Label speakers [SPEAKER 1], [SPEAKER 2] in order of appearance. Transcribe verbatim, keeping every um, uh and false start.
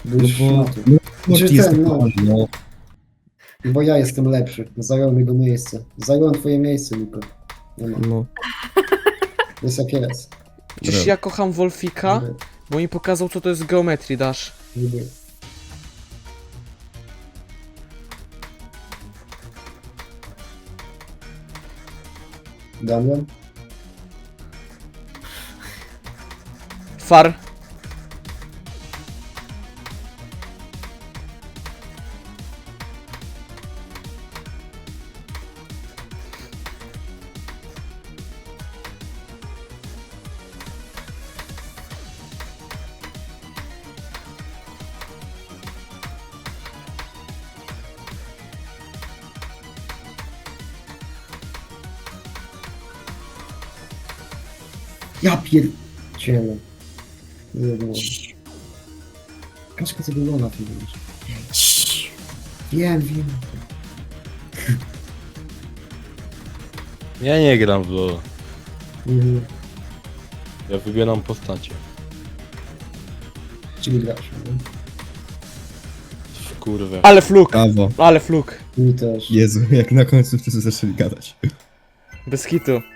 [SPEAKER 1] Byś
[SPEAKER 2] No bo-
[SPEAKER 1] szmaty.
[SPEAKER 2] No,
[SPEAKER 1] Czy
[SPEAKER 2] Morty jest
[SPEAKER 1] ten, no.
[SPEAKER 2] no. no.
[SPEAKER 1] Bo ja jestem lepszy. Zająłem jego miejsce. Zająłem twoje miejsce, Niko. Nie ma.
[SPEAKER 2] No.
[SPEAKER 1] Jest jak jest.
[SPEAKER 3] Przecież
[SPEAKER 2] Brawo.
[SPEAKER 3] ja kocham Wolfika,
[SPEAKER 1] Niby,
[SPEAKER 3] bo mi pokazał co to jest Geometry Dash.
[SPEAKER 1] niby. Damian?
[SPEAKER 3] Far.
[SPEAKER 1] Ja pierdzielę. Nie wiem. Kaczka tego Lona tu wiesz. Wiem, wiem.
[SPEAKER 4] Ja nie gram w LoL.
[SPEAKER 1] Mhm.
[SPEAKER 4] Ja wybieram postacie.
[SPEAKER 1] Czyli grasz, no?
[SPEAKER 4] W kurwę.
[SPEAKER 3] Ale fluk,
[SPEAKER 2] Brawo.
[SPEAKER 3] ale fluk.
[SPEAKER 1] Mi też.
[SPEAKER 2] Jezu, jak na końcu wszyscy zaczęli gadać.
[SPEAKER 3] Bez hitu.